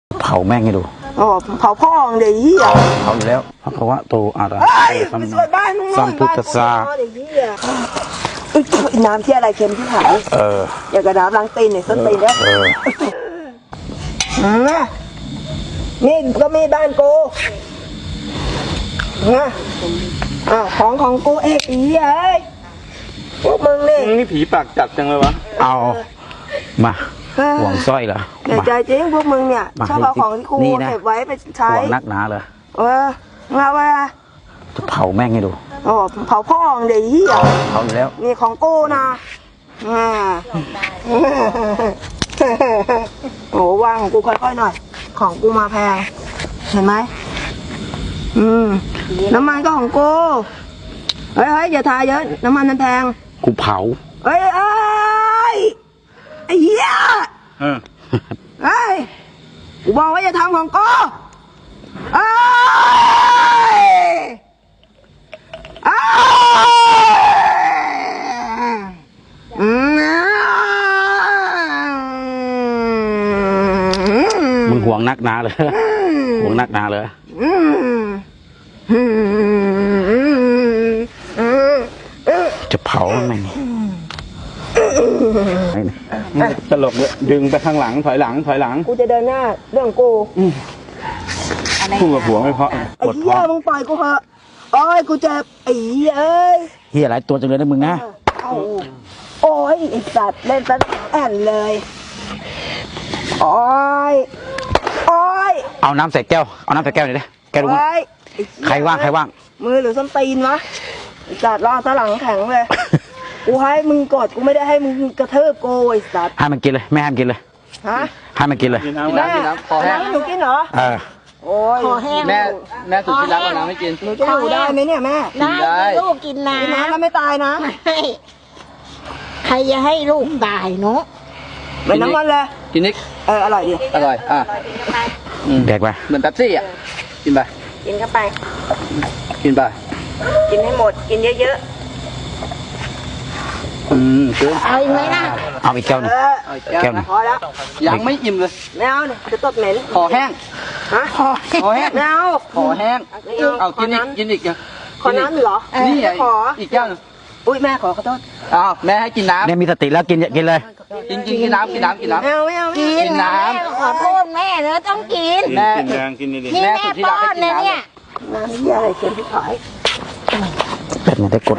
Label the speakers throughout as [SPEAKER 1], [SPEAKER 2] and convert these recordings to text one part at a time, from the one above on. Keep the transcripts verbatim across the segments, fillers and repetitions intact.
[SPEAKER 1] เผาแม่งให้ดู
[SPEAKER 2] โอ้เผาพ่อเดี๋ยวยี่อ่ะ
[SPEAKER 1] เผาอยู่แล้วเพราะว่าโตอาระสัมสัมพุทธสา
[SPEAKER 2] น้ำที่อะไรเค็มที่หาย
[SPEAKER 1] เออ
[SPEAKER 2] อยากกระดาบล้างตีนเนี่ยส้นตีนเนี่ยนี่ก็มีบ้านกูนะอ้าวของของกูเอกอีเอ้ยพวกมึงนี่
[SPEAKER 3] นี่ผีปากจัดจังเลยวะ
[SPEAKER 1] เอามาห่วงสร้อยเหรอ
[SPEAKER 2] แต่ใจจริงพวกมึงเนี่ยชอบเอาของที่กูเก็บไว้ไปใช้
[SPEAKER 1] ห่วงนักหนาเลย
[SPEAKER 2] เออมาไว้
[SPEAKER 1] จะเผาแม่งให้ดู
[SPEAKER 2] โอ้เผาพ่อเดี๋ยวยี่อ่ะ
[SPEAKER 1] เผาอยู่แล้ว
[SPEAKER 2] นี่ของกูนะอ่าโอ้ว่างของกูค่อยๆหน่อยของกูมาแพงเห็นไหมอืมน้ำมันก็ของกูเฮ้ยเฮ้ยอย่าทาเยอะน้ำมันมันแพง
[SPEAKER 1] กูเผา
[SPEAKER 2] เฮ้ยเอ้ยไอ้เหี้ยเฮ้ยกูบอกว่าอย่าทำของกูเอ้ยเอ้ย
[SPEAKER 1] มึงห่วงนักหนาเลยห่วงนักหนาเลยจะเผาไหม
[SPEAKER 3] นี่ตลกเลยดึงไปข้างหลังถอยหลังถอยหลัง
[SPEAKER 2] กูจะเดินหน้าเรื่องกู
[SPEAKER 3] พูดกับผัวไม่เพราะ
[SPEAKER 2] ไอ้เหี้ยมึงปล่อยกูเถอะโอ้ยกูเจ็บไอ้เหี้ยเอ้ย
[SPEAKER 1] เหี้ยหลายตัวจังเลยนะมึงนะ
[SPEAKER 2] โอ้ยไอ้สัตว์เล่นซะแอนเลยโอ้ยโอ้ย
[SPEAKER 1] เอาน้ำใส่แก้วเอาน้ำใส่แก้วหน่อยดิแก้วดูมั้ยใครว่างใครว่าง
[SPEAKER 2] มือหรือส้นตีนวะไอ้สัตว์รอซะหลังแข็งเลยกูให้มึงกดกูไม่ได้ให้มึงกระเทิบโกไอ้สัตว์
[SPEAKER 1] ให้มันกินเลยไม่ให้มันกินเลย
[SPEAKER 2] ฮะ
[SPEAKER 1] ให้มันกินเลย
[SPEAKER 2] แม่คอแห้งหนูกินเหรอ
[SPEAKER 1] เออ
[SPEAKER 2] โอ้ย
[SPEAKER 3] คอแห้งแม่แม่สุดที่รักเอาน้ำไม่กิน
[SPEAKER 2] หนูจะอยู่ได้ไหมเนี่ยแม่
[SPEAKER 4] ได้ลูกกินน้ำ
[SPEAKER 2] น้ำแล้วไม่ตายนะ
[SPEAKER 4] ไม่ใครจะให้ลูกตายเนาะ
[SPEAKER 2] เป็นน้ำมันเลย
[SPEAKER 3] กินนิด
[SPEAKER 2] เอออร่อยดี
[SPEAKER 3] อร่อยอ่ะ
[SPEAKER 1] แดกไป
[SPEAKER 3] เหมือนเป๊ปซี่อ่ะกินไป
[SPEAKER 2] กินเข้าไป
[SPEAKER 3] กินไป
[SPEAKER 2] กินให้หมดกินเยอะ
[SPEAKER 3] ๆอืมเกิน
[SPEAKER 4] เอาอีกไหมล่ะ
[SPEAKER 1] เอาอีกแก้วหนึ่งแก้วหนึ่ง
[SPEAKER 2] พอแล้ว
[SPEAKER 3] ยังไม่อิ่มเลย
[SPEAKER 2] ไม่เอาเนี่ยจะตดเหม็น
[SPEAKER 3] คอแห้ง
[SPEAKER 2] ฮะคอ
[SPEAKER 3] แห้ง
[SPEAKER 2] ไม่เอา
[SPEAKER 3] คอแห้งเอากินอีกกินอีก
[SPEAKER 2] ขอน้ำเหรอ
[SPEAKER 3] นี่ไง
[SPEAKER 2] ขอ
[SPEAKER 3] อีกแก้วนึง
[SPEAKER 2] อุ้ยแม่ขอขอโทษ
[SPEAKER 3] อ้าวแม่ให้กินน้ำ
[SPEAKER 1] เนี่ยมีสติแล้วกินกินเลย
[SPEAKER 3] กินกินกินน้ำกินน้ำกินน้ำ
[SPEAKER 2] ไม่เอาไม่เอา
[SPEAKER 4] กินน้ำขอโทษแม่เนอะต้องกิน
[SPEAKER 3] แม่กินแดงกินดี
[SPEAKER 4] ๆแม่ป้อนเนี่ยเนี่ย
[SPEAKER 2] น้ำนี่อะไรเค็มที่ขาย
[SPEAKER 1] เป็นไงได้กด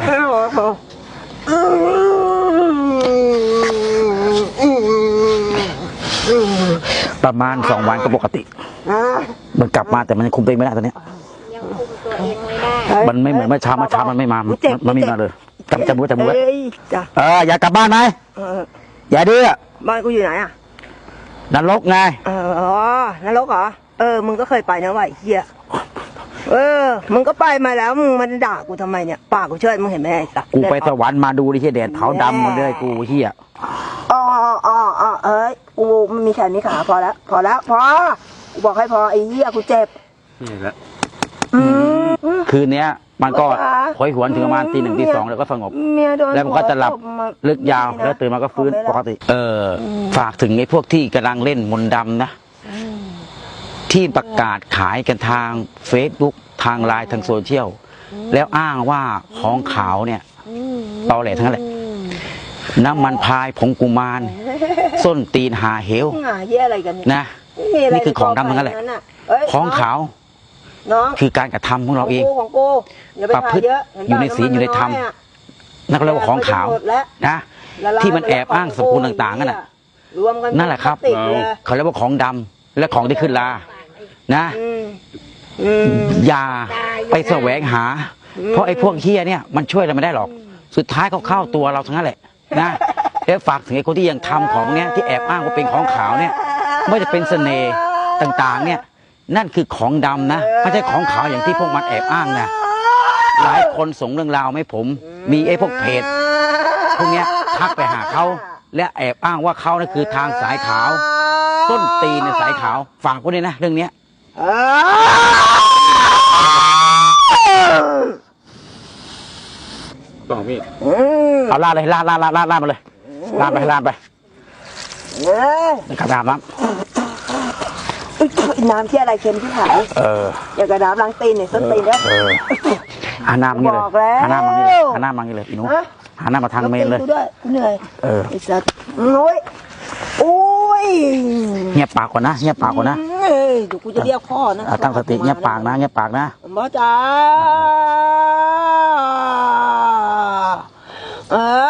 [SPEAKER 1] ประมาณสองวันก็ปกติมันกลับมาแต่มันคุมตัวเองไม่ได้ตอนนี้
[SPEAKER 4] ยังคุมตัวเองไม่ได้
[SPEAKER 1] มันไม่เหมือนเมื่อเช้าเมื่อเช้ามันไม่มามันไม่มาเลยจำจำมือจำมือเอออย่ากลับบ้านไหมอย่าดื้อ
[SPEAKER 2] บ้านกูอยู่ไหนอ่ะ
[SPEAKER 1] นรกไง
[SPEAKER 2] อ๋อนรกเหรอเออมึงก็เคยไปนะวะไอ้เหี้ยเออมึงก็ไปมาแล้วมึงมันด่ากูทำไมเนี่ยปากกูเชิดมึงเห็นไหมไอ้สัก
[SPEAKER 1] กูไปสวรรค์มาดูดิเฮียแดดเผาดำหมดเลยกูเฮีย
[SPEAKER 2] อ๋ออ๋ออ๋อเอ้ยกูมันมีแขนมีขาพอแล้วพอแล้วพอกูบอกให้พอไอ้เหี้ยกูเจ็บ
[SPEAKER 3] นี่แหละ
[SPEAKER 1] คืนนี้มันก็หอยหวนถึงประมาณตีหนึ่งตีสองแล้วก็สงบแล้วมันก็จะหลับลึกยาวแล้วตื่นมาก็ฟื้นปกติเออฝากถึงไอ้พวกที่กำลังเล่นมนต์ดำนะที่ประกาศขายกันทางเฟซบุ๊กทางไลน์ทางโซเชียลแล้วอ้างว่าของขาวเนี่ยตอแหลทั้งนั้นแหละน้ำมันพายผงกุมารส้นตีนหาเหวนะนี่คือของดำทั้งนั้นแหละของขาวคือการกระทำของเราเองประพฤติอยู่ในศีลอยู่ในธรรมนั่นก็เรียกว่าของขาวนะที่มันแอบอ้างสกุลต่างๆนั่นแหละนั่นแหละครับเขาเรียกว่าของดำและของที่ขึ้นลานะอย่าไปแสวงหาเพราะไอ้พวกเฮี้ยเนี่ยมันช่วยเราไม่ได้หรอกสุดท้ายเขาเข้าตัวเราทั้งนั้นแหละนะแล้วฝากถึงไอ้คนที่ยังทำของเนี้ยที่แอบอ้างว่าเป็นของขาวเนี่ยไม่จะเป็นเสน่ห์ต่างๆเนี่ยนั่นคือของดำนะไม่ใช่ของขาวอย่างที่พวกมันแอบอ้างนะหลายคนส่งเรื่องราวให้ผมมีไอ้พวกเพจพวกเนี้ยทักไปหาเขาและแอบอ้างว่าเขานั่นคือทางสายขาวต้นตีนในสายขาวฝากไว้ด้วยนะเรื่องเนี้ย
[SPEAKER 3] บอกพี่
[SPEAKER 1] เอาลาดเลยลาดลาดลาดลาดลาดมาเลยลาดไปลาดไปนะครับลาดน้ำ
[SPEAKER 2] อุ๊ยน้ำที่อะไรเค็มที่หาย
[SPEAKER 1] เออ
[SPEAKER 2] อย่ากระดาบล้างตีนเนี่ยส้นตีนแล้ว
[SPEAKER 1] เออหันหน้ามางี้เลย
[SPEAKER 2] บอกแล้ว
[SPEAKER 1] หันหน้ามางี้เลยหันหน้ามางี้เลยอีหนู
[SPEAKER 2] ฮะ
[SPEAKER 1] หันหน้ามาทางเมนเลย
[SPEAKER 2] กูด้วยกูเหนื่อย
[SPEAKER 1] เออ
[SPEAKER 2] ไอ้สัตว์โอ้ยโอ้ย
[SPEAKER 1] เงียบปากก่อนนะเงียบปากก่อนนะ
[SPEAKER 2] เอ้ยเดี๋ยวกูจะเรียกพ่อนะ
[SPEAKER 1] อ่ะตั้งสติเงียบปากนะเงียบปากนะ
[SPEAKER 2] หมอจ๋าเออ